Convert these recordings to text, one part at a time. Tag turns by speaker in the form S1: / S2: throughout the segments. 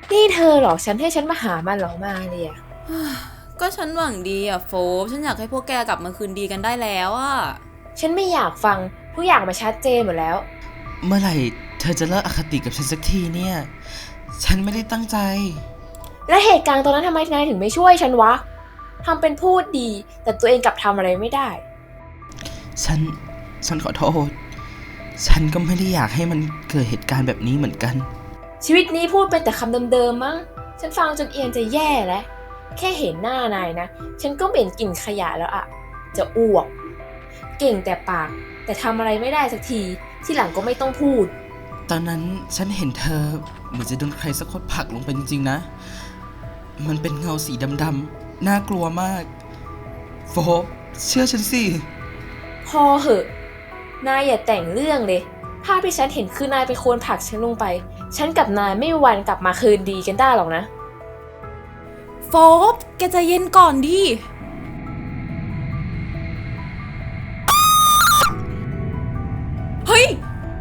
S1: นี่เธอหลอกฉันให้ฉันมาหามันเหรอมาเลยอะ
S2: ก็ฉันหวังดีอะโฟบฉันอยากให้พวกแกกลับมาคืนดีกันได้แล้วอะ
S1: ฉันไม่อยากฟังทุกอย่างมาชัดเจนหมดแล้ว
S3: เมื่อไหร่เธอจะเลิกอคติกับฉันสักทีเนี่ย ฉันไม่ได้ตั้งใจ
S1: และเหตุการณ์ตอนนั้นทำไมนายถึงไม่ช่วยฉันวะทำเป็นพูดดีแต่ตัวเองกลับทำอะไรไม่ได้
S3: ฉันขอโทษ ฉันก็ไม่ได้อยากให้มันเกิดเหตุการณ์แบบนี้เหมือนกัน
S1: ชีวิตนี้พูดเป็นแต่คำเดิมๆมั้งฉันฟังจนเอียนจะแย่แล้วแค่เห็นหน้านายนะฉันก็เหม็นกลิ่นขยะแล้วอะจะอ้วกเก่งแต่ปากแต่ทำอะไรไม่ได้สักทีที่หลังก็ไม่ต้องพูด
S3: ตอนนั้นฉันเห็นเธอเหมือนจะโดนใครสักคนผลักลงไปจริงๆนะ มันเป็นเงาสีดำๆน่ากลัวมากโฟบเชื่อฉันสิ
S1: พอเหอะนายอย่าแต่งเรื่องเลยภาพที่ฉันเห็นคือนายเป็นคนผลักฉันลงไปฉันกับนายไม่มีวันกลับมาคืนดีกันได้หรอกนะ
S2: โฟบแกใจเย็นก่อนดิเฮ้ย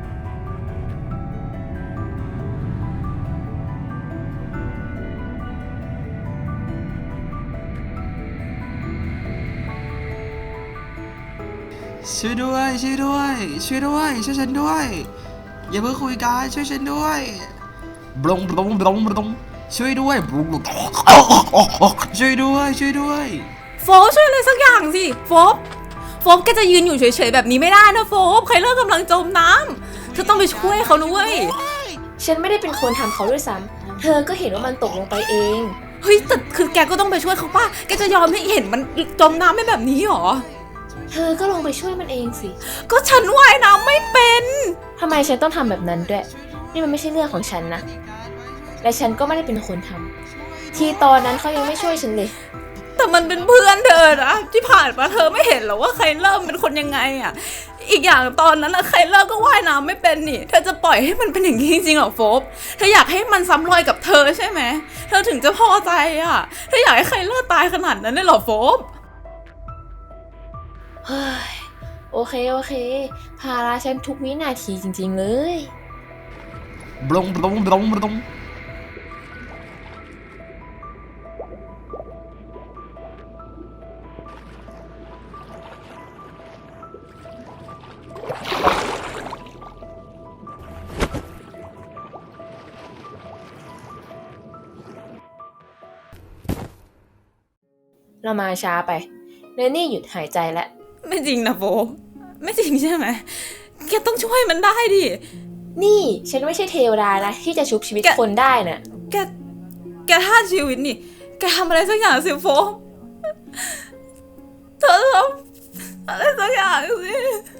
S3: ช่วยด้วยช่วยด้วยช่วยด้วยช่วยฉันด้วยอย่าเพิ่งคุยกันช่วยฉันด้วยบลงบลงบลงบลงช่วยด้วยบลงบลงช่วยด้วยช่วยด้วย
S2: โฟบช่วยอะไรสักอย่างสิโฟบแกจะยืนอยู่เฉยๆแบบนี้ไม่ได้นะโฟบใครเลิกกำลังจมน้ำเธอต้องไปช่วยเขาด้วย
S1: ฉันไม่ได้เป็นคนทำเขาด้วยซ้ำเธอก็เห็นว่ามันตกลงไปเอง
S2: เฮ้ยแต่คือแกก็ต้องไปช่วยเขาป่ะแกจะยอมให้เห็นมันจมน้ำไม่แบบนี้หรอ
S1: เธอก็ลงไปช่วยมันเองสิ
S2: ก็ฉันว่ายน้ำไม่เป็น
S1: ทำไมฉันต้องทำแบบนั้นด้วยนี่มันไม่ใช่เรื่องของฉันนะและฉันก็ไม่ได้เป็นคนทำที่ตอนนั้นเขายังไม่ช่วยฉันเลย
S2: แต่มันเป็นเพื่อนเธอนะที่ผ่านมาเธอไม่เห็นหรอว่าใครเริ่มเป็นคนยังไงอ่ะอีกอย่างตอนนั้นนะใครเลิกก็ว่ายน้ำไม่เป็นนี่เธอจะปล่อยให้มันเป็นอย่างนี้จริงๆหรอโฟบเธออยากให้มันซ้ำรอยกับเธอใช่ไหมเธอถึงจะพอใจอ่ะเธออยากให้ใครเลิกตายขนาดนั้นเลยหรอโฟบ
S1: เฮ้ยโอเคภาระฉันทุกวินาทีจริงๆเลย
S3: บลงบลงบลงบลง
S1: เรามาช้าไปเนนี่หยุดหายใจแล้ว
S2: ไม่จริงนะโฟบไม่จริงใช่ไหมแกต้องช่วยมันได้ดิ
S1: นี่ฉันไม่ใช่เทวดานะที่จะชุบชีวิตคนได้น่ะ
S2: แกแกท่าชีวิตนี่แกทำอะไรสักอย่างสิโฟบเธอทำอะไรสักอย่างสิ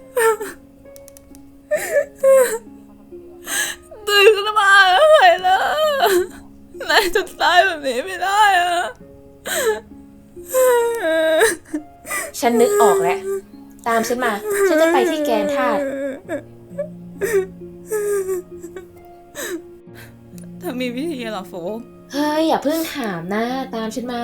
S2: ตื่นขึ้นมาแล้วใครล่ะนายจะตายแบบนี้ไม่ได้อะ
S1: ฉันนึกออกแล้วตามฉันมาฉันจะไปที่แกนธาตุ
S2: เธอมีวิธีเหรอโฟบ
S1: เฮ้ยอย่าเพิ่งถามนะตามฉันมา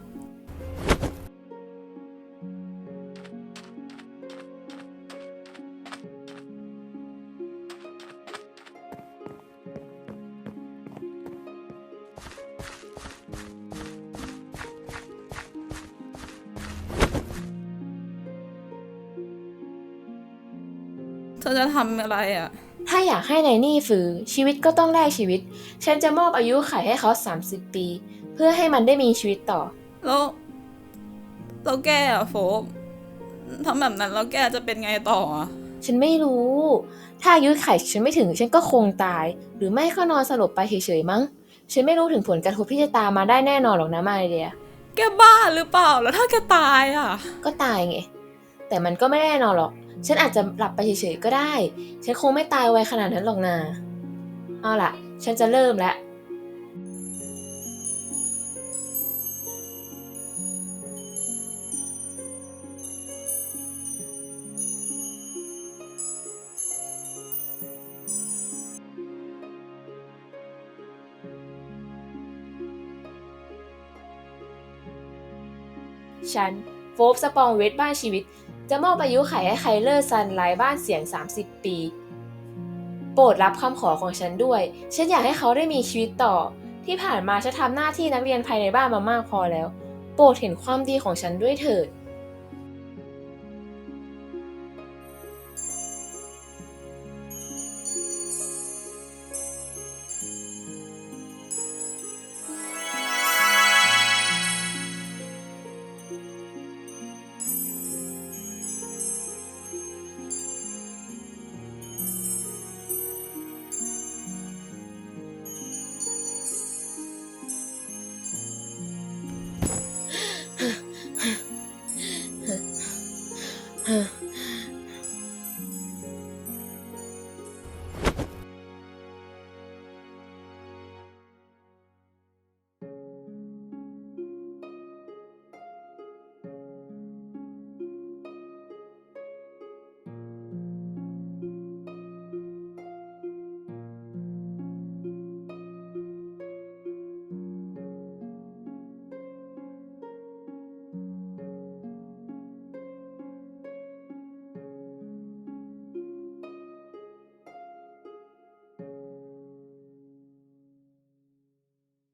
S2: เธอจะทำอะไรอ่ะ
S1: ถ้าอยากให้นายนี่ฝืนชีวิตก็ต้องแลกชีวิตฉันจะมอบอายุขัยให้เขา30 ปีเพื่อให้มันได้มีชีวิตต่อ
S2: แล้วแกอ่ะโฟบทำแบบนั้นแล้วแกจะเป็นไงต่ออ่ะ
S1: ฉันไม่รู้ถ้าอายุขัยฉันไม่ถึงฉันก็คงตายหรือไม่ก็นอนสลบไปเฉยๆมั้งฉันไม่รู้ถึงผลกระทบที่จะตามมาได้แน่นอนหรอกนะมาเดีย
S2: แกบ้าหรือเปล่าแล้วถ้าแกตายอ่ะ
S1: ก็ตายไงแต่มันก็ไม่แน่นอนหรอกฉันอาจจะหลับไปเฉยๆก็ได้ฉันคงไม่ตายไวขนาดนั้นหรอกนะเอาล่ะฉันจะเริ่มแล้วฉันโฟบสปองเวทบ้านชีวิตจะมอบอายุขัยให้ไคเลอร์ซันไลบ้านเสียง30 ปีโปรดรับคำขอของฉันด้วยฉันอยากให้เขาได้มีชีวิตต่อที่ผ่านมาฉันทำหน้าที่นักเรียนภายในบ้านมามากพอแล้ว โปรดเห็นความดีของฉันด้วยเถิด